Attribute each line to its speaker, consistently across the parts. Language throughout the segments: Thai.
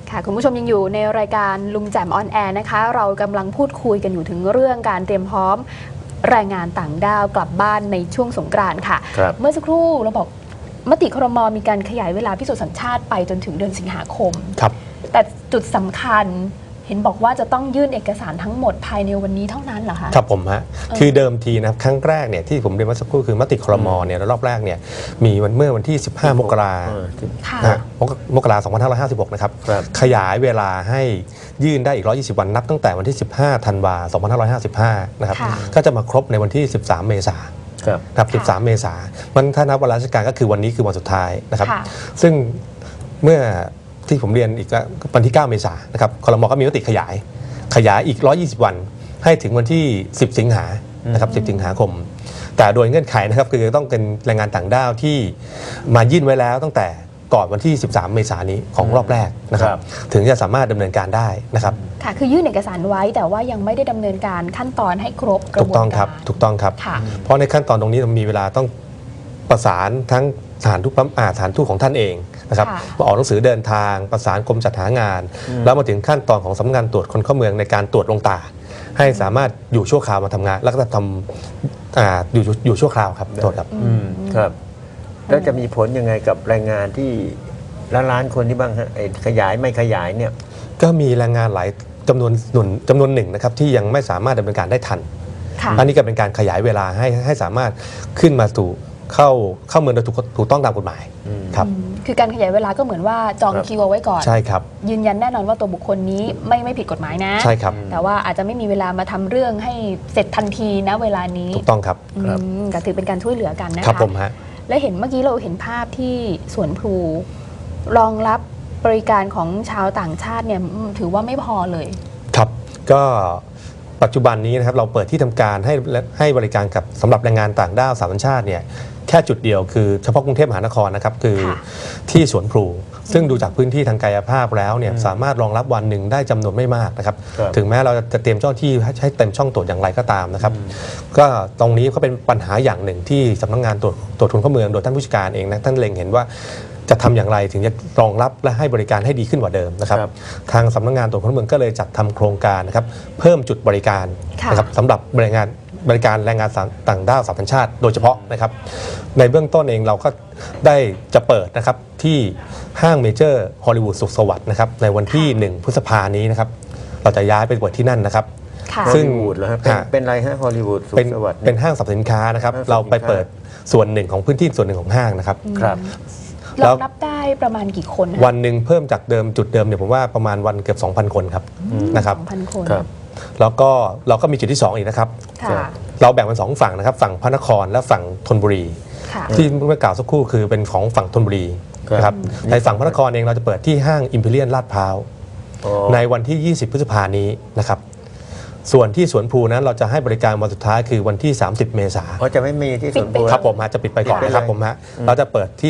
Speaker 1: ค่ะคุณผู้ชมยังอยู่ในรายการลุงแจ่มออนแอร์นะคะเรากำลังพูดคุยกันอยู่ถึงเรื่องการเตรียมพร้อมแรงงานต่างด้าวกลับบ้านในช่วงสงกรานต์ค่ะเมื่อสักครู่เราบอกมติครม.มีการขยายเวลาพิสูจน์สัญชาติไปจนถึงเดือนสิงหาคม
Speaker 2: ครับ
Speaker 1: แต่จุดสำคัญเห็นบอกว่าจะต้องยื่นเอกสารทั้งหมดภายในวันนี้เท่านั้นเหรอคะ
Speaker 2: ครับผมฮะคือเดิมทีนะครับครั้งแรกเนี่ยที่ผมเรียนเมื่อสักครู่คือมติครม.เนี่ยรอบแรกเนี่ยมีเมื่อวันที่15 มกราคมกราคม 2556 นะครับขยายเวลาให้ยื่นได้อีก120 วันนับตั้งแต่วันที่15 ธันวาคม 2555 นะครับก็จะมาครบในวันที่13 เมษายนครับ13 เมษายนมันถ้านับวันราชการก็คือวันนี้คือวันสุดท้ายนะครับซึ่งเมื่อที่ผมเรียนอีกวันที่ 9 เมษายนนะครับครม.ก็มีมติขยายอีก120 วันให้ถึงวันที่10 สิงหานะครับ10 สิงหาคมแต่โดยเงื่อนไขนะครับคือต้องเป็นแรงงานต่างด้าวที่มายื่นไว้แล้วตั้งแต่ก่อนวันที่13 เมษายนนี้ของรอบแรกนะครับถึงจะสามารถดำเนินการได้นะครับ
Speaker 1: ค่ะคือยื่นเอกสารไว้แต่ว่ายังไม่ได้ดำเนินการขั้นตอนให้ครบกระบวนการ
Speaker 2: ถูกต้องครับเพราะในขั้นตอนตรงนี้มีเวลาต้องประสานทั้งสถานทูตของท่านเองนะครับออกหนังสือเดินทางประสานกรมจัดหางานแล้วมาถึงขั้นตอนของสำนักงานตรวจคนเข้าเมืองในการตรวจลงตาให้สามารถอยู่ชั่วคราวมาทำงานแล้วก็ทำอยู่ชั่วคราวครับโทษครับ
Speaker 3: ครับแล้วจะมีผลยังไงกับแรงงานที่ล้านคนที่บ้างฮะขยายไม่ขยายเนี่ย
Speaker 2: ก็มีแรงงานหลายจำนวนหนึ่งนะครับที่ยังไม่สามารถดำเนินการได้ทันอันนี้ก็เป็นการขยายเวลาให้สามารถขึ้นมาสู่เข้าเมืองโดยถูกต้องตามกฎหมายครับ
Speaker 1: คือการขยายเวลาก็เหมือนว่าจองคิวเอาไว้ก่อน
Speaker 2: ใช่ครับ
Speaker 1: ยืนยันแน่นอนว่าตัวบุคคลนี้ไม่ผิดกฎหมายนะ
Speaker 2: ใช่ครับ
Speaker 1: แต่ว่าอาจจะไม่มีเวลามาทำเรื่องให้เสร็จทันทีนะเวลานี้
Speaker 2: ถูกต้องครับ
Speaker 1: ก็ถือเป็นการช่วยเหลือกันนะคะ
Speaker 2: ครับผมฮะ
Speaker 1: และเห็นเมื่อกี้เราเห็นภาพที่สวนพลูรองรับบริการของชาวต่างชาติเนี่ยถือว่าไม่พอเลย
Speaker 2: ครับก็ปัจจุบันนี้นะครับเราเปิดที่ทำการให้บริการกับสำหรับแรงงานต่างด้าวสามสัญชาติเนี่ยแค่จุดเดียวคือเฉพาะกรุงเทพมหานครนะครับคือที่สวนพลูซึ่งดูจากพื้นที่ทางกายภาพแล้วเนี่ยสามารถรองรับวันหนึ่งได้จำนวนไม่มากนะครับถึงแม้เราจะเตรียมเจ้าที่ให้เต็มช่องตรวจอย่างไรก็ตามนะครับก็ตรงนี้ก็เป็นปัญหาอย่างหนึ่งที่สำนักงานตรวจคนเข้าเมืองโดยท่านผู้จัดการเองนะท่านเล็งเห็นว่าจะทำอย่างไรถึงจะรองรับและให้บริการให้ดีขึ้นกว่าเดิมนะครับทางสำนักงานตรวจคนเข้าเมืองก็เลยจัดทำโครงการนะครับเพิ่มจุดบริการนะครับสำหรับบริการแรงงานต่างด้าวสัญชาติโดยเฉพาะนะครับในเบื้องต้นเองเราก็ได้จะเปิดนะครับที่ห้างเมเจอร์ฮอลลีวูดสุขสวัสดิ์นะครับในวันที่1 พฤษภาคมนี้นะครับเราจะย้ายไปเปิดที่นั่นนะครับ
Speaker 3: ซึ่งเป็นอะไรฮะฮอลลีวูดสุขสวัสดิ์
Speaker 2: เป็นห้างสรรพสินค้านะครับเราไปเปิดส่วนหนึ่งของพื้นที่ส่วนหนึ่งของห้างนะครับ
Speaker 1: เรารับได้ประมาณกี่คน
Speaker 2: วันหนึ่งเพิ่มจากเดิมจุดเดิมเนี่ยผมว่าประมาณวันเกือบ 2,000 คนครับนะครับ
Speaker 1: 2,000 คน
Speaker 2: แล้วก็เราก็มีจุดที่2อีกนะครับเราแบ่งเป็น2ฝั่งนะครับฝั่งพระนครและฝั่งธนบุรีที่เมื่อกล่าวสักครู่คือเป็นของฝั่งธนบุรีนะครับในฝั่งพระนครเองเราจะเปิดที่ห้างอิมพีเรียลลาดพร้าวในวันที่20 พฤษภาคมนี้นะครับส่วนที่สวนพลูนั้นเราจะให้บริการวันสุดท้ายคือวันที่30 เมษายน
Speaker 3: จะไม่มีที่สวนพลู
Speaker 2: ครับผมจะปิดไปก่อนนะครับผมเราจะเปิดที่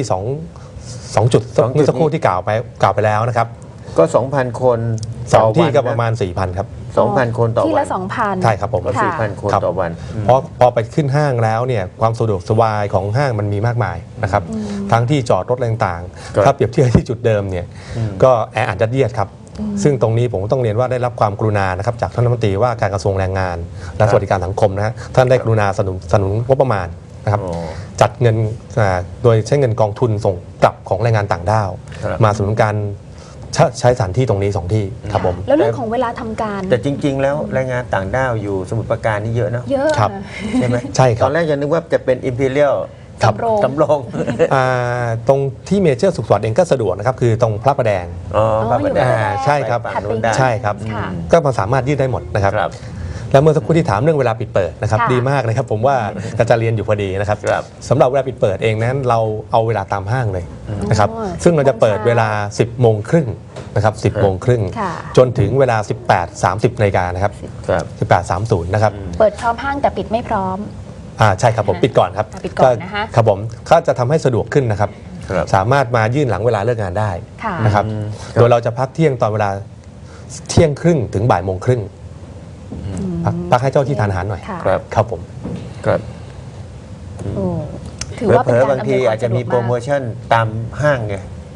Speaker 2: 2จุดเมื่อสักครู่ที่กล่าวไปแล้วนะครับ
Speaker 3: ก็ 2,000 คน
Speaker 2: 2ที่ก็ประมาณ 4,000 ครับ
Speaker 3: 2,000 คนต่อวัน
Speaker 1: ที่ละ 2,000
Speaker 2: ใช่ครับผม
Speaker 3: 4,000 คนต่อวัน
Speaker 2: เพราะพอไปขึ้นห้างแล้วเนี่ยความสะดวกสบายของห้างมันมีมากมายนะครับทั้งที่จอดรถต่างๆถ้าเปรียบเทียบที่จุดเดิมเนี่ยก็แออัดยัดเยียดครับซึ่งตรงนี้ผมต้องเรียนว่าได้รับความกรุณานะครับจากท่านรัฐมนตรีว่าการกระทรวงแรงงานและสวัสดิการสังคมนะฮะท่านได้กรุณาสนับสนุนงบประมาณนะครับจัดเงินโดยใช้เงินกองทุนส่งกลับของแรงงานต่างด้าวมาสนับสนุนการใช้สถานที่ตรงนี้2ที่ครับผม
Speaker 1: แล้วเรื่องของเวลาทำการ
Speaker 3: แต่จริงๆแล้วแรงงานต่างด้าวอยู่สมุทรปราการนี่เยอะนะ
Speaker 1: เยอะ
Speaker 2: ครับ
Speaker 3: ใช่ไหม
Speaker 2: ใช่ครับ
Speaker 3: ตอนแรกยังนึกว่าจะเป็นอิมพีเรียล
Speaker 1: สำ
Speaker 3: โรง
Speaker 2: ตรงที่เมเจอร์สุขสวัสดิ์เองก็สะดวกนะครับคือตรงพระประแดง
Speaker 3: พระประแดง
Speaker 2: ใช่ครับใช่ครับก็มาสามารถยืดได้หมดนะครับแล้วเมื่อสักครู่ที่ถามเรื่องเวลาปิดเปิดนะครับดีมากเลยครับผมว่าจะเรียนอยู่พอดีนะครับสำหรับเวลาปิดเปิดเองนั้นเราเอาเวลาตามห้างเลยนะครับซึ่งเราจะเปิดเวลา 10 โมงครึ่งนะครับ10 โมงครึ่งจนถึงเวลา 18:30 น.นะครับ18:30 นะครับ
Speaker 1: เปิดพร้อมห้างแต่ปิดไม่พร้อม
Speaker 2: ใช่ครับผมปิดก่อนครับ
Speaker 1: ปิดก่อนนะคะ
Speaker 2: ครับผมก็จะทำให้สะดวกขึ้นนะครับสามารถมายื่นหลังเวลาเลิกงานได้นะครับโดยเราจะพักเที่ยงตอนเวลาเที่ยงครึ่งถึงบ่ายโมงครึ่งพักให้เจ้าที่ทานอาหารหน่อยครับผม
Speaker 3: ครับ
Speaker 1: ถือว่าเป็นการ
Speaker 3: บางทีอาจจะมีโปรโมชั่นตามห้างไง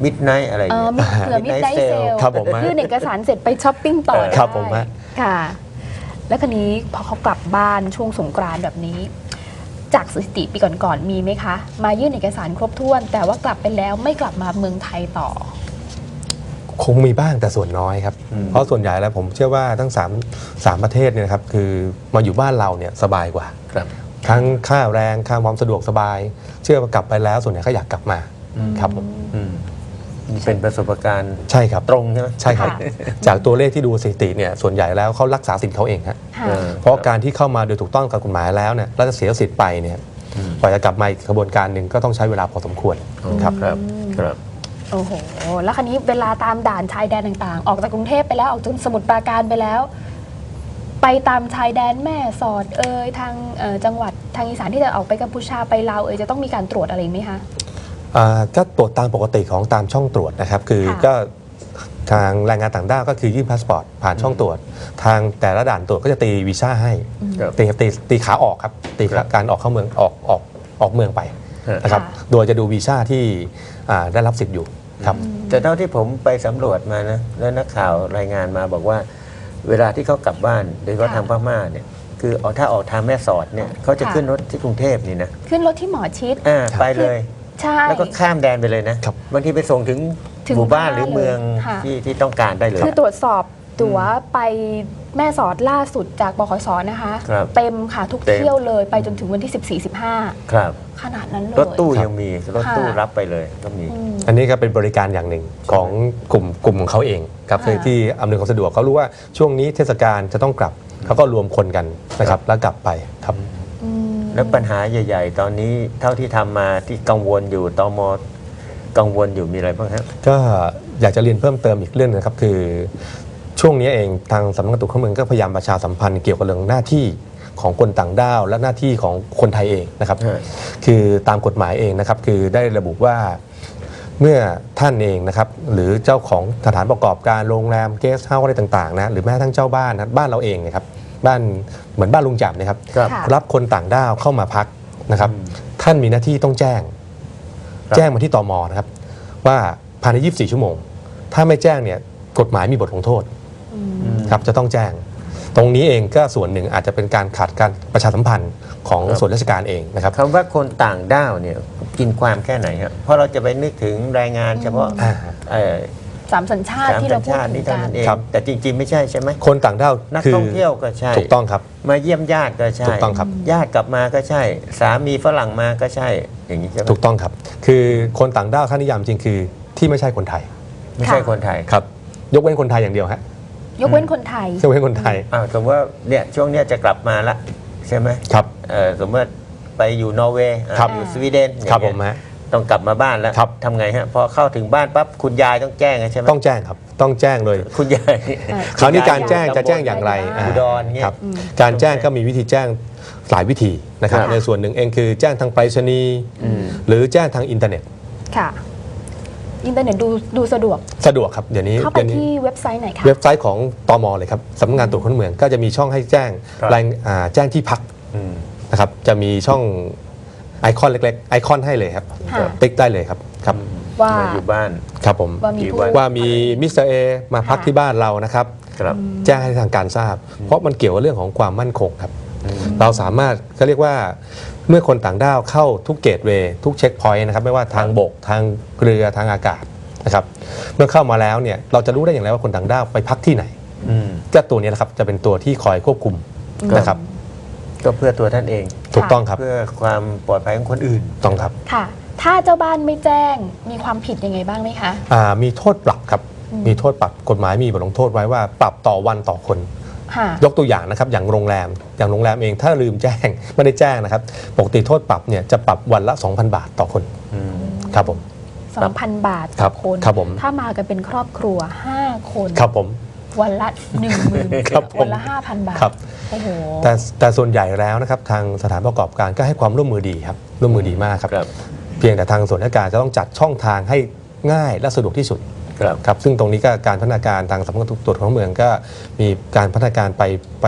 Speaker 3: มิดไนท์อะไรอย่างเงี้ย
Speaker 1: มีเผื่อมิดไนท์เซล
Speaker 2: ครับผม
Speaker 1: ยื่นเอกสารเสร็จไปช้อปปิ้งต่อได้
Speaker 2: ครับผมฮะ
Speaker 1: ค่ะ แล้วคันนี้พอเขากลับบ้านช่วงสงกรานต์แบบนี้ จากสถิติปีก่อนๆมีไหมคะ มายื่นเอกสารครบถ้วน แต่ว่ากลับไปแล้วไม่กลับมาเมืองไทยต่อ
Speaker 2: คงมีบ้างแต่ส่วนน้อยครับ
Speaker 3: อืม
Speaker 2: เพราะส่วนใหญ่แล้วผมเชื่อว่าทั้ง3ประเทศเนี่ยนะครับคือมาอยู่บ้านเราเนี่ยสบายกว่า
Speaker 3: ครับ
Speaker 2: ทั้งค่าแรงค่าความสะดวกสบาย เชื่อว่ากลับไปแล้วส่วนใหญ่ก็อยากกลับมาครับผม
Speaker 3: อืมนี่เป็นประสบการณ์
Speaker 2: ใช่ครับ
Speaker 3: ตรงใช่ไหม
Speaker 2: ใช่ครับ
Speaker 1: ค่ะ
Speaker 2: จากตัวเลขที่ดูสถิติเนี่ยส่วนใหญ่แล้วเขารักษาสิทธิ์เขาเองฮะ
Speaker 1: ค่ะ
Speaker 2: เพราะการที่เข้ามาโดยถูกต้องกับกฎหมายแล้วเนี่ยแล้วจะเสียสิทธิ์ไปเนี่ยกว่าจะกลับมาอีกกระบวนการหนึ่งก็ต้องใช้เวลาพอสมควรครับ
Speaker 3: ครับครับ
Speaker 1: โอ้โห แล้วคันนี้เวลาตามด่านชายแดนต่างๆ ออกจากกรุงเทพไปแล้วออกจากสมุทรปราการไปแล้ว ไปตามชายแดนแม่สอดทางจังหวัดทางอีสานที่จะออกไปกัมพูชาไปลาวจะต้องมีการตรวจอะไรไหมคะ
Speaker 2: ก็ตรวจตามปกติของตามช่องตรวจนะครับคือ
Speaker 1: ค่ะ
Speaker 2: ก็ทางแรงงานต่างด้าวก็คือยื่นพาสปอร์ตผ่านช่องตรวจ ทางแต่ละด่านตรวจก็จะตีวีซ่าให้
Speaker 3: ครับ
Speaker 2: ตีขาออกครับตี
Speaker 3: ครับ
Speaker 2: การออกเข้าเมืองออกเมืองไป
Speaker 3: ฮะ
Speaker 2: นะครับ
Speaker 1: ค่ะ
Speaker 2: โดยจะดูวีซ่าที่ได้รับสิทธิ์อยู่ครับ
Speaker 3: แต่เท่าที่ผมไปสำรวจมานะแล้วนักข่าวรายงานมาบอกว่า เวลาที่เขากลับบ้านโดยเฉพาะทางพม่าเนี่ยคือถ้าออกทางแม่สอดเนี่ยเขาจะขึ้นรถที่กรุงเทพนี่นะ
Speaker 1: ขึ้นรถที่หมอชิด
Speaker 3: ไปเลย
Speaker 1: ใช่
Speaker 3: แล้วก็ข้ามแดนไปเลยนะครับ บางทีไปส่งถึง
Speaker 1: ถึง
Speaker 3: หมู่บ้าน
Speaker 1: บ้าน
Speaker 3: หรือเมือง
Speaker 1: เลยค่ะ
Speaker 3: ที่ต้องการได้เลย
Speaker 1: คือตรวจสอบตั๋วไปแม่สอดล่าสุดจากบขสนะคะ
Speaker 3: ครับ
Speaker 1: เต็มค่ะทุก
Speaker 3: เต็ม
Speaker 1: เที่ยวเลยไปจนถึงวันที่ 14-15
Speaker 3: ครับ
Speaker 1: ขนาดนั้นเลย
Speaker 3: รถตู้
Speaker 2: ครับ
Speaker 3: ยังมีรถตู้
Speaker 1: ค่ะ
Speaker 3: รับไปเลยก็มี
Speaker 1: อืม
Speaker 2: อันนี้ก็เป็นบริการอย่างหนึ่งของกลุ่มของเขาเองครับ
Speaker 1: ค่ะ
Speaker 2: ที่อำนวยความสะดวกเขารู้ว่าช่วงนี้เทศกาลจะต้องกลับเขาก็รวมคนกันนะครับแล้วกลับไปครับ
Speaker 1: อืม
Speaker 3: แล้วปัญหาใหญ่ ๆ ตอนนี้เท่าที่ทำมาที่กังวลอยู่ตมกังวลอยู่มีอะไรบ้างครับ
Speaker 2: ก็อยากจะเรียนเพิ่มเติมอีกเรื่องนึงนะครับคือช่วงนี้เองทางสำนักงานตรวจคนเข้าเมืองก็พยายามประชาสัมพันธ์เกี่ยวกับเรื่องหน้าที่ของคนต่างด้าว และหน้าที่ของคนไทยเองนะครับ
Speaker 3: ฮะ
Speaker 2: คือตามกฎหมายเองนะครับคือได้ระบุว่าเมื่อท่านเองนะครับหรือเจ้าของสถานประกอบการโรงแรมเกสต์เฮาส์อะไรต่างๆนะหรือแม้กระทั่งเจ้าบ้านนะบ้านเราเองนะครับบ้านเหมือนบ้านลุงจับนะครับ
Speaker 3: ครับ
Speaker 1: ค่ะ
Speaker 2: รับคนต่างด้าวเข้ามาพักนะครับ
Speaker 3: อืม
Speaker 2: ท่านมีหน้าที่ต้องแจ้ง
Speaker 3: ครับ
Speaker 2: แจ้งมาที่ตมนะครับ ว่าภายใน 24 ชั่วโมง ถ้าไม่แจ้งเนี่ยกฎหมายมีบทลงโทษ
Speaker 1: อืม
Speaker 2: ครับจะต้องแจ้ง ตรงนี้เองก็ส่วนหนึ่งอาจจะเป็นการขาดการประชาสัมพันธ์ของ
Speaker 3: ครับ
Speaker 2: ส่วนราชการเองนะครับ
Speaker 3: คำว่าคนต่างด้าวเนี่ยกินความแค่ไหนครับเพราะเราจะไปนึกถึงแรงงานเฉพาะ
Speaker 2: อ่า
Speaker 1: สามสัญชาติ
Speaker 3: สาม
Speaker 1: ที่
Speaker 3: สั
Speaker 1: เรา
Speaker 3: ญ
Speaker 1: พูด
Speaker 3: ชาติ
Speaker 1: ถึ
Speaker 3: นี่
Speaker 1: ง
Speaker 3: เท่า
Speaker 1: กัน
Speaker 3: นั้นเอง
Speaker 2: ครับ
Speaker 3: แต่จริง ๆ ไม่ใช่ใช่ไหม
Speaker 2: คนต่างด้าว
Speaker 3: นัก
Speaker 2: คือ
Speaker 3: ท่องเที่ยวก็ใช่
Speaker 2: ถูกต้องครับ
Speaker 3: มาเยี่ยมญาติก็ใช่
Speaker 2: ถูกต้องครับ
Speaker 3: ญาติกลับมาก็ใช่ สามีฝรั่งมาก็ใช่ อย่างนี้ใช่ไหม
Speaker 2: ถูกต้องครับ คือคนต่างด้าวค่านิยามจริงคือที่ไม่ใช่คนไทย
Speaker 3: ไม่ใช่คนไทย
Speaker 2: ครับยกเว้นคนไทยอย่างเดียวฮะ
Speaker 1: ยกเว้นคนไทย
Speaker 2: ยกเว้นคนไทย
Speaker 3: อ้าวสมมติว่าเนี่ยช่วงเนี้ยจะกลับมาละใช่ไหม
Speaker 2: ครับ
Speaker 3: สมมติว่าไปอยู่นอร์เวย์
Speaker 2: ครับ
Speaker 3: อยู่สวีเดนอย่าง
Speaker 2: ครับ
Speaker 3: เงี้
Speaker 2: ผ
Speaker 3: ย
Speaker 2: มฮะ
Speaker 3: ต้องกลับมาบ้านแล้ว
Speaker 2: ครับ
Speaker 3: ทำไงฮะพอเข้าถึงบ้านปั๊บคุณยายต้องแจ้งใช่ไหม
Speaker 2: ต้องแจ้งครับต้องแจ้งเลย
Speaker 3: คุณยาย
Speaker 2: คราวนี้การแจ้งจะแจ้งอย่างไร
Speaker 3: อุดรเงี้ย
Speaker 2: ครับการแจ้งก็มีวิธีแจ้งหลายวิธีนะครับ
Speaker 3: ครับ
Speaker 2: ในส่วนหนึ่งเองคือแจ้งทางไปรษณีย์หรือแจ้งทางอินเทอร์เน็ต
Speaker 1: ค่ะ อินเทอร์เน็ตดูสะดวก
Speaker 2: สะดวกครับเดี๋ยวนี้
Speaker 1: เข้าไป
Speaker 2: เดี๋ยวนี้
Speaker 1: ที่เว็บไซต์ไหนคะ
Speaker 2: เว็บไซต์ของตมเลยครับสำนักงานตรวจคนเข้าเมืองก็จะมีช่องให้แจ้ง
Speaker 3: ครับ
Speaker 2: รายแจ้งที่พัก
Speaker 3: อืม
Speaker 2: นะครับจะมีช่องไอคอนเล็กๆไอคอนให้เลยครับ
Speaker 1: ค่ะ
Speaker 2: ติ๊กได้เลยครับครับ
Speaker 1: ว่า
Speaker 3: มาอยู่บ้าน
Speaker 2: ครับผม
Speaker 1: ว่ามีผู้
Speaker 2: ว่ามีมิสเตอร์เอมาพักที่บ้านเรานะครับ
Speaker 3: ครับ
Speaker 2: แจ้งให้ทางการทราบ เพราะมันเกี่ยวกับเรื่องของความมั่นคงครับ เราสามารถก็เรียกว่าเมื่อคนต่างด้าวเข้าทุกเกตเวย์ทุกเช็คพอยต์นะครับไม่ว่าทางบกทางเรือทางอากาศนะครับเมื่อเข้ามาแล้วเนี่ยเราจะรู้ได้อย่างไรว่าคนต่างด้าวไปพักที่ไหน
Speaker 3: อืม
Speaker 2: ก็ตัวนี้แหละครับจะเป็นตัวที่คอยควบคุมนะครับ
Speaker 3: ก็เพื่อตัวท่านเอง
Speaker 2: ถูกต้องครับ
Speaker 3: เพื่อความปลอดภัยของคนอื่น
Speaker 2: ต้องครับ
Speaker 1: ค่ะ ถ้าเจ้าบ้านไม่แจ้งมีความผิดยังไงบ้างไหมคะ
Speaker 2: มีโทษปรับครับมีโทษปรับกฎหมายมีบทลงโทษไว้ว่าปรับต่อวันต่อคน
Speaker 1: ค่ะ
Speaker 2: ยกตัวอย่างนะครับอย่างโรงแรมเองถ้าลืมแจ้ง ไม่ได้แจ้งนะครับปกติโทษปรับเนี่ยจะปรับวันละ 2,000 บาทต่อคนครับผม
Speaker 1: 2,000 บาท
Speaker 2: ครั
Speaker 1: ต่อบ คน
Speaker 2: ครับผม
Speaker 1: ถ้ามากันเป็นครอบครัว 5 คน
Speaker 2: ครับผม
Speaker 1: วันละ 10,000
Speaker 2: ครับผม
Speaker 1: วันละ 5,000 บาท
Speaker 2: ครับ
Speaker 1: โอ้โห
Speaker 2: แต่ส่วนใหญ่แล้วนะครับทางสถานประกอบการก็ให้ความร่วมมือดีครับร่วมมือดีมากครับ
Speaker 3: ครับ
Speaker 2: เพียงแต่ทางส่วนราชการจะต้องจัดช่องทางให้ง่ายและสะดวกที่สุด
Speaker 3: ครับ
Speaker 2: ครับซึ่งตรงนี้ก็การพัฒนาการทางสำนักงานตรวจคนเข้าเมืองก็มีการพัฒนาการไป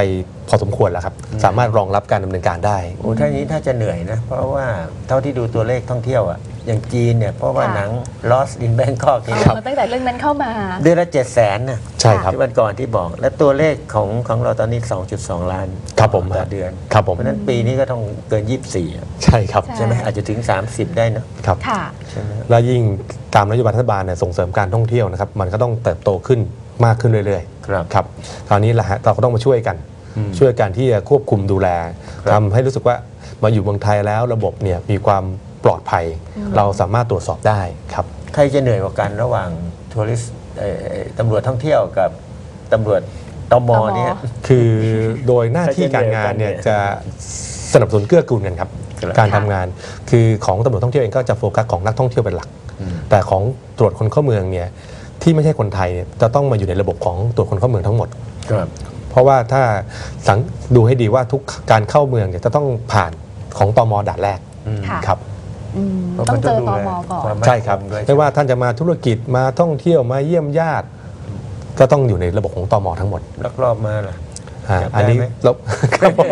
Speaker 2: พอสมควรแล้วครับสามารถรองรับการดำเนินการได้
Speaker 3: โอ้ท่านี้ถ้าจะเหนื่อยนะ เพราะว่าเท่าที่ดูตัวเลขท่องเที่ยวอ่ะอย่างจีนเนี่ยเพราะว่าหนัง Lost in Bangkok นี่
Speaker 1: เอามาตั้งแต่เรื่องนั้นเข้ามา
Speaker 3: เดือนละ700,000นะ
Speaker 2: ใช่ครับ
Speaker 3: ที่วันก่อนที่บอก และตัวเลขของเราตอนนี้ 2.2 ล้าน
Speaker 2: ครับผม
Speaker 3: ต่อเดือน
Speaker 2: ครับผม
Speaker 3: เพราะฉะนั้นปีนี้ก็ต้องเกิน 24อะ
Speaker 2: ใช่ครับ
Speaker 1: ใช่
Speaker 3: ใช่ไหมอาจจะถึง 30 ได้นะครับ
Speaker 1: ค่ะ
Speaker 3: ใช่ไหม
Speaker 2: แล้วยิ่งตามนโยบายรัฐบาลเนี่ยส่งเสริมการท่องเที่ยวนะครับมันก็ต้องเติบโตขึ้นมากขึ้นเรื่อย
Speaker 3: ครับ
Speaker 2: ๆครับคราวนี้แหละฮะเราก็ต้องมาช่วยกัน
Speaker 3: อืม
Speaker 2: ช่วยกันที่จะควบคุมดูแล
Speaker 3: ครับ
Speaker 2: ทำให้รู้สึกว่ามาอยู่เมืองไทยแล้วระบบเนี่ยมีความปลอดภัย เราสามารถตรวจสอบได้ครับ
Speaker 3: ใครจะเหนื่อยกว่ากันระหว่างทัวริสตำรวจท่องเที่ยวกับตำรวจตมเนี่ย
Speaker 2: คือโดยหน้าที่การงานเนี่ย
Speaker 3: ใครจะเหนื่อยกว่ากันเนี่ย
Speaker 2: จะสนับสนุนเกื้อกูลกันครับ
Speaker 3: ครับ
Speaker 2: การทำงานคือของตำรวจท่องเที่ยวเองก็จะโฟกัสของนักท่องเที่ยวเป็นหลัก
Speaker 3: อืม
Speaker 2: แต่ของตรวจคนเข้าเมืองเนี่ยที่ไม่ใช่คนไทยเนี่ยจะต้องมาอยู่ในระบบของตรวจคนเข้าเมืองทั้งหมด
Speaker 3: ครับ
Speaker 2: เพราะว่าถ้าดูให้ดีว่าทุกการเข้าเมืองเนี่ยจะต้องผ่านของตมด่านแรก
Speaker 3: อืม
Speaker 1: ค่ะ
Speaker 2: ครับ
Speaker 1: ต้องเจอตมก่อน
Speaker 3: ความมั่น
Speaker 2: ใช่ครับ
Speaker 3: งด้วย
Speaker 2: ไม่ว่าท่านจะมาธุรกิจมาท่องเที่ยวมาเยี่ยมญาติ ก็ต้องอยู่ในระบบของตมทั้งหมด
Speaker 3: ลักลอบมาล่ะ จับได้
Speaker 2: อันนี้
Speaker 3: ไหม
Speaker 2: เรา ครับผม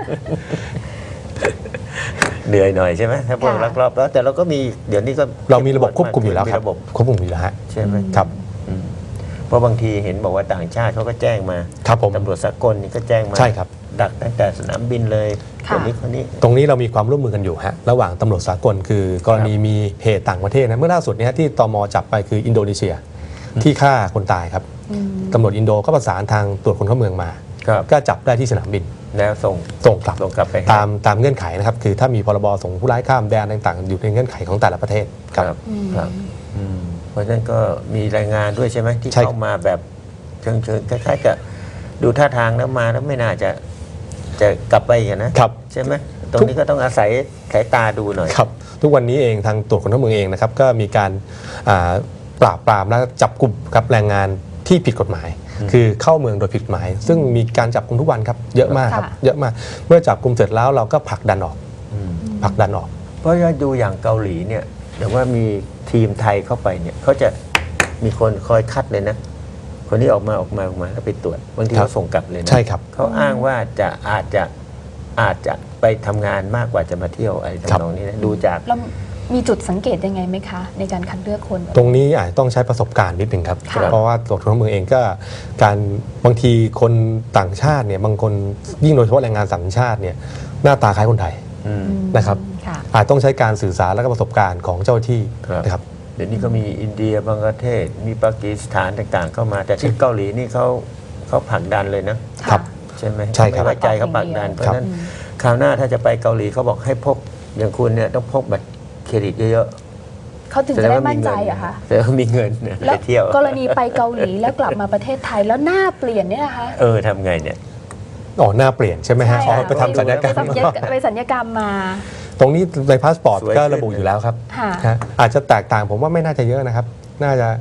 Speaker 3: เหนื่อยหน่อยใช่ไหมถ้าพวก
Speaker 1: ค่ะ
Speaker 3: ลักลอบแล้วแต่เราก็มีเดี๋ยวนี้ก็
Speaker 2: เรามีระบบควบคุมอยู่แล้วครับ
Speaker 3: มีระบบ
Speaker 2: ควบคุมอยู่แล้วฮะ
Speaker 3: ใช่ไหม
Speaker 2: ครับ
Speaker 3: อืมเพราะบางทีเห็นบอกว่าต่างชาติเขาก็แจ้งมา
Speaker 2: ครับผม
Speaker 3: ตำรวจสากลนี่ก็แจ้งมา
Speaker 2: ใช่ครับ
Speaker 3: ดักตั้งแต่สนามบินเลย
Speaker 1: ค่ะ
Speaker 3: คนนี้คนนี้
Speaker 2: ตรงนี้เรามีความร่วมมือกันอยู่ฮะระหว่างตำรวจสากลคือกรณีมีเหตุต่างประเทศนะเมื่อล่าสุดเนี้ที่ตมจับไปคืออินโดนีเซียที่ฆ่าคนตายครับ
Speaker 1: อืม
Speaker 2: ตำรวจอินโดก็ประสานทางตรวจคนเข้าเมืองมา
Speaker 3: ครับ
Speaker 2: ก็จับได้ที่สนามบิน
Speaker 3: แล้วส่ง
Speaker 2: ส่งกลับ
Speaker 3: ส่งกลับไปให้
Speaker 2: ตามเงื่อนไขนะครับคือถ้ามีพรบส่งผู้ร้ายข้ามแดนต่างๆ อยู่ในเงื่อนไขของแต่ละประเทศ
Speaker 3: ครับครับอืมเพราะฉะนั้นก็มีรายงานด้วยใช่ไหมที่
Speaker 2: ใช่
Speaker 3: เข้ามาแบบเชิงคล้ายๆกับดูท่าทางแล้วมาแล้วไม่น่าจะกลับไปอีกันนะครับ ใช่ไหมตรงนี้ก็ต้องอาศัยสายตาดูหน่อย
Speaker 2: ครับทุกวันนี้เองทางตรวจคนเข้าเมืองเองนะครับก็มีการปราบปรามและจับกลุ่มกับแรงงานที่ผิดกฎหมาย คือเข้าเมืองโดยผิดกฎหมาย ซึ่งมีการจับกลุ่มทุกวันครับเยอะมากครับ
Speaker 1: ค่ะ
Speaker 2: เยอะมากเมื่อจับกลุ่มเสร็จแล้วเราก็ผลักดันออก
Speaker 3: อืม
Speaker 2: ผลักดันออก
Speaker 3: เพราะว่าดูอย่างเกาหลีเนี่ยแต่ว่ามีทีมไทยเข้าไปเนี่ยเขาจะมีคนคอยคัดเลยนะ คนที่ออกมาแล้วไปตรวจบางที
Speaker 2: ครับ
Speaker 3: เขาส่งกลับเลยนะ
Speaker 2: ใช่ครับ
Speaker 3: เขาอ้างว่าอาจจะไปทำงานมากกว่าจะมาเที่ยวอะไร
Speaker 2: ครับ
Speaker 3: ทำนองนี้นะดูจาก
Speaker 1: เรามีจุดสังเกตยังไงไหมคะ ในการคัดเลือกคนแบบ
Speaker 2: ตรงนี้อาจจะต้องใช้ประสบการณ์นิดหนึ่งครับ
Speaker 1: ค่ะ
Speaker 2: เพราะว่าตรวจคนเข้าเมืองเองก็การบางทีคนต่างชาติเนี่ยบางคนยิ่งโดยเฉพาะแรงงานต่างชาติเนี่ยหน้าตาคล้ายคนไทย
Speaker 3: อืม
Speaker 2: นะครับ
Speaker 1: ค่ะ
Speaker 2: อาจต้องใช้การสื่อสารและก็ประสบการณ์ของเจ้าหน้าที่
Speaker 3: ครับ
Speaker 2: นะครับ
Speaker 3: เดี๋ยวนี้ก็มีอินเดียบังกลาเทศ มีปากีสถานต่างๆ เข้ามา แต่ที่เกาหลีนี่เขาผลักดันเลยนะครับ ใช่ไหม
Speaker 2: ใช่ครับ
Speaker 3: ไม่ไว้ใจเขาผลักดันเพราะ
Speaker 2: ครับ
Speaker 3: ฉะนั้นคราวหน้าถ้าจะไปเกาหลีเขาบอกให้พกอย่างคุณเนี่ยต้องพกบัตรเครดิตเยอะ
Speaker 1: เขาถึง
Speaker 3: ๆ
Speaker 1: จะได้มั่นใจเหรอะคะ
Speaker 3: แสดงว่ามีเงินเนี่ย
Speaker 1: แล้
Speaker 3: ไป
Speaker 1: ว
Speaker 3: เที่ยว
Speaker 1: กรณีไปเกาหลีแล้วกลับมาประเทศไทยแล้วหน้าเปลี่ยนเนี่ยนะคะ
Speaker 3: ทำไงเนี่ย
Speaker 2: อ๋อหน้าเปลี่ยนใช่ไหมฮะ
Speaker 1: ใช่
Speaker 2: อ๋อ
Speaker 1: ค่ะ
Speaker 2: ไปทำศัลยกรรม
Speaker 1: ไปสัญญกรรมมา
Speaker 2: ตรงนี้ในพาสปอร์ต
Speaker 3: สวย
Speaker 2: ก็
Speaker 3: ขึ้น
Speaker 2: ระบุอยู่แล้วครับ
Speaker 1: ค่ะ
Speaker 2: ฮะอาจจะแตกต่างผมว่าไม่น่าจะเยอะนะครับ น่าจะ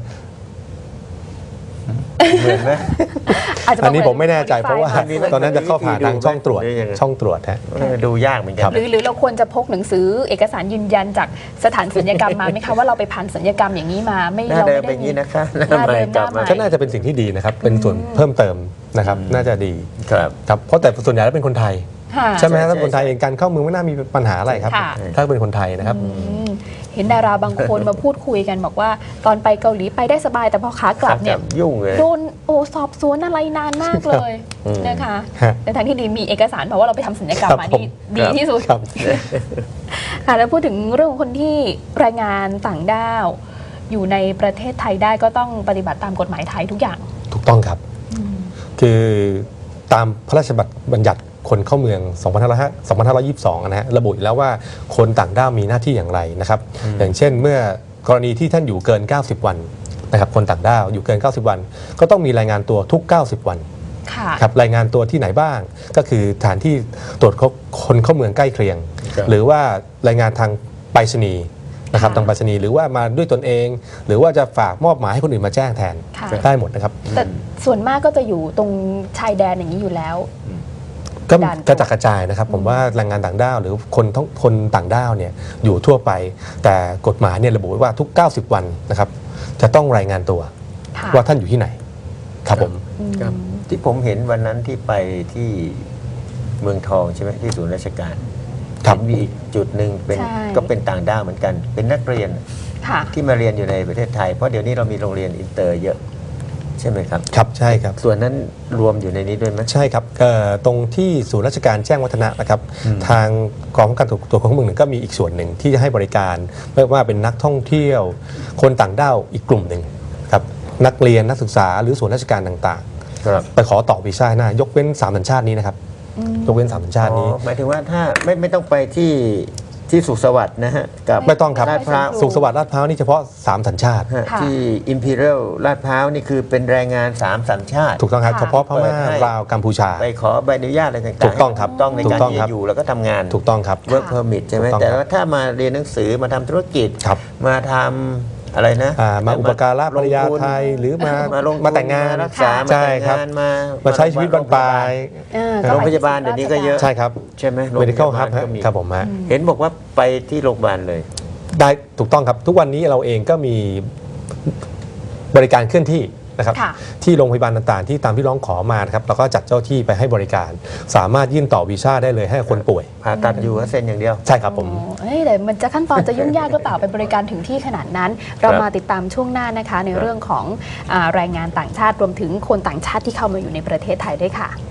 Speaker 3: เหมือนไหม
Speaker 1: อาจจะบก
Speaker 2: อันนี้ผมไม่แน่ใจเพราะว่า
Speaker 3: อันนี้มัน
Speaker 2: ตอนนั้นจะเข้าผ่านทางช่องตรวจ
Speaker 3: หรือยังไง
Speaker 2: ช่องตรวจฮะ
Speaker 3: ดูยากเหมือนกั
Speaker 2: ครั
Speaker 3: น
Speaker 2: บ
Speaker 1: หรือเราควรจะพกหนังสือเอกสารยืนยันจากสถานสัญญกรรมมาไหมคะว่าเราไปผ่านสัญญกรรมอย่างนี้มาไม่
Speaker 3: หน้า
Speaker 1: เรา
Speaker 3: เดิ
Speaker 1: ไม่
Speaker 3: ม
Speaker 1: ได้
Speaker 3: เป็นอย่างนี้นะคะ
Speaker 1: หน้าเดิม
Speaker 3: กลับ
Speaker 1: หน้า
Speaker 3: มา
Speaker 1: ใหม่
Speaker 2: ก็น่าจะเป็นสิ่งที่ดีนะครับ เป็นส่วนเพิ่มเติมนะครับ น่าจะดี
Speaker 3: ครับ
Speaker 2: ครับเพราะแต่ส่วนใหญ่แล้วเป็นคนไทย
Speaker 1: ค่ะ
Speaker 2: ใช่ไหมฮะ
Speaker 3: ใช่
Speaker 2: ถ้าคนไทยเองการเข้าเมืองไม่น่ามีปัญหาอะไรครับ
Speaker 1: ค่ะ
Speaker 2: ถ้าเป็นคนไทยนะครับ
Speaker 1: อืมเห็นดาราบางคนมาพูดคุยกันบอกว่าตอนไปเกาหลีไปได้สบายแต่พอขากลับเนี่ย
Speaker 3: ยุ่งเลย
Speaker 1: โดนสอบสวนอะไรนานมากเลย
Speaker 3: อืม
Speaker 1: นะคะ
Speaker 2: ฮะ
Speaker 1: ในทางที่ดีมีเอกสารบอกว่าเราไปทำสัญญกรรม
Speaker 2: ครับ
Speaker 1: มา
Speaker 2: ผม
Speaker 1: นี่ดีที่สุด
Speaker 2: ครับ
Speaker 1: ค่ะแล้วพูดถึงเรื่องของคนที่แรงงานต่างด้าว อยู่ในประเทศไทยได้ก็ต้องปฏิบัติตามกฎหมายไทยทุกอย่าง
Speaker 2: ถูกต้องครับ คือตามพระราชบัญญัติคนเข้าเมือง 2522 นะฮะระบุอยู่แล้วว่าคนต่างด้าวมีหน้าที่อย่างไรนะครับ อย่างเช่นเมื่อกรณีที่ท่านอยู่เกิน 90 วันนะครับคนต่างด้าวอยู่เกิน 90 วัน ก็ต้องมีรายงานตัวทุก 90 วัน
Speaker 1: ค่ะ
Speaker 2: ครับรายงานตัวที่ไหนบ้าง ก็คือสถานที่ตรวจคนเข้าเมืองใกล้เคียง
Speaker 3: ครับ
Speaker 2: หรือว่ารายงานทางไปรษณีย์นะครับ
Speaker 1: ค่ะ
Speaker 2: ทางไปรษณีย์หรือว่ามาด้วยตนเอง หรือว่าจะฝากมอบหมายให้คนอื่นมาแจ้งแทน
Speaker 1: ค่ะ
Speaker 2: ได้หมดนะครับ
Speaker 1: แต่ส่วนมากก็จะอยู่ตรงชายแดนอย่างนี้อยู่แล้ว
Speaker 2: ก็
Speaker 1: ด่าน
Speaker 2: กระจัดกระจายนะครับ ผมว่าแรงงานต่างด้าวหรือคนต่างด้าวเนี่ยอยู่ทั่วไป แต่กฎหมายเนี่ยระบุไว้ว่าทุก 90 วันนะครับจะต้องรายงานตัว
Speaker 1: ค่ะ
Speaker 2: ว่าท่านอยู่ที่ไหนครับผม
Speaker 1: อืม
Speaker 3: ครับที่ผมเห็นวันนั้นที่ไปที่เมืองทองใช่ไหมที่ศูนย์ราชการ
Speaker 2: ครับ
Speaker 3: เห็นมีอีกจุดหนึ่งเป็น
Speaker 1: ใช่
Speaker 3: ก็เป็นต่างด้าวเหมือนกัน เป็นนักเรียน
Speaker 1: ค่ะ
Speaker 3: ที่มาเรียนอยู่ในประเทศไทย เพราะเดี๋ยวนี้เรามีโรงเรียนอินเตอร์เยอะใช่ไหมครับ
Speaker 2: ครับใช่ครับ
Speaker 3: ส่วนนั้นรวมอยู่ในนี้ด้วยไหม
Speaker 2: ใช่ครับตรงที่ศูนย์ราชการแจ้งวัฒนะนะครับ
Speaker 3: อืม
Speaker 2: ทางกองป้องกันตัวของเมืองหนึ่งก็มีอีกส่วนหนึ่งที่จะให้บริการไม่ว่าเป็นนักท่องเที่ยว คนต่างด้าวอีกกลุ่มหนึ่งครับนักเรียนนักศึกษาหรือส่วนราชการต่าง
Speaker 3: ครับ
Speaker 2: ๆ ไปขอต่อวีซ่าหน้ายกเว้นสามสัญชาตินี้นะครับยกเว้นสามสัญชาตินี้
Speaker 3: หมายถึงว่าถ้าไม่ต้องไปที่สุขสวัสดิ์นะฮะกับ
Speaker 2: ไม่ต้องครับ
Speaker 3: ลาดพร้าว
Speaker 2: สุขสวัสดิ์ลาดพร้าวนี่เฉพาะสามสัญชาติ
Speaker 3: ฮะ
Speaker 1: ค่ะ
Speaker 3: ที่ Imperial ลาดพร้าวนี่คือเป็นแรงงาน3 สัญชาติ
Speaker 2: ถูกต้องครับ
Speaker 1: ค่ะ
Speaker 2: เฉพาะพม่า
Speaker 3: เปิดให้
Speaker 2: ลาวกัมพูชา
Speaker 3: ไปขอใบอนุญาตอะไรต่างๆ
Speaker 2: ถูกต้องครับ
Speaker 3: ให้ถูกต้องใน
Speaker 2: ถู
Speaker 3: การ
Speaker 2: กต้อง
Speaker 3: ที่
Speaker 2: ครั
Speaker 3: จะ
Speaker 2: บ
Speaker 3: อยู่แล้วก็ทำงาน
Speaker 2: ถูกต้องครับ
Speaker 3: work permit ใช่ไหม
Speaker 2: ถูกต้อง
Speaker 3: แต่ว่าถ้ามาเรียนหนังสือมาทำธุรกิจ
Speaker 2: ครับ
Speaker 3: มาทำอะไรนะ
Speaker 2: มาอุปการะภรรยา
Speaker 3: ลงทุน
Speaker 2: ไทยหรือมา
Speaker 3: มาลงทุน
Speaker 2: มาแต่งงาน
Speaker 3: มารักษามา
Speaker 2: ใช่
Speaker 3: แต่ง
Speaker 2: ครับ
Speaker 3: งาน
Speaker 2: มาใช้ชีวิตบรรปลาย
Speaker 3: โรงพยาบาลเดี๋ยวนี้ก็เยอะ
Speaker 2: ใช่ครับ
Speaker 3: ใช่ไหมโรงพ
Speaker 2: medical
Speaker 3: ยาบา
Speaker 2: hub
Speaker 3: ล
Speaker 2: ฮะ
Speaker 3: ก็มี
Speaker 2: ครับผมฮะ
Speaker 3: เห็นบอกว่าไปที่โรงพยาบาลเลย
Speaker 2: ได้ถูกต้องครับทุกวันนี้เราเองก็มีบริการเคลื่อนที่นะครับ
Speaker 1: ค่ะ
Speaker 2: ที่โรงพยาบาลต่างๆ ที่ตามที่ร้องขอมานะครับเราก็จัดเจ้าที่ไปให้บริการ สามารถยื่นต่อวีซ่าได้เลยให้คนป่วย
Speaker 3: ผ่าตัดอยู่ก็เซ็นอย่างเดียว
Speaker 2: ใช่ครับผม
Speaker 1: เอ้ยแต่มันจะขั้นตอนจะยุ่งยากหรือเปล่าไปบริการถึงที่ขนาดนั้น เรามาติดตามช่วงหน้านะคะ ในเรื่องของแรงงานต่างชาติรวมถึงคนต่างชาติที่เข้ามาอยู่ในประเทศไทยด้วยค่ะ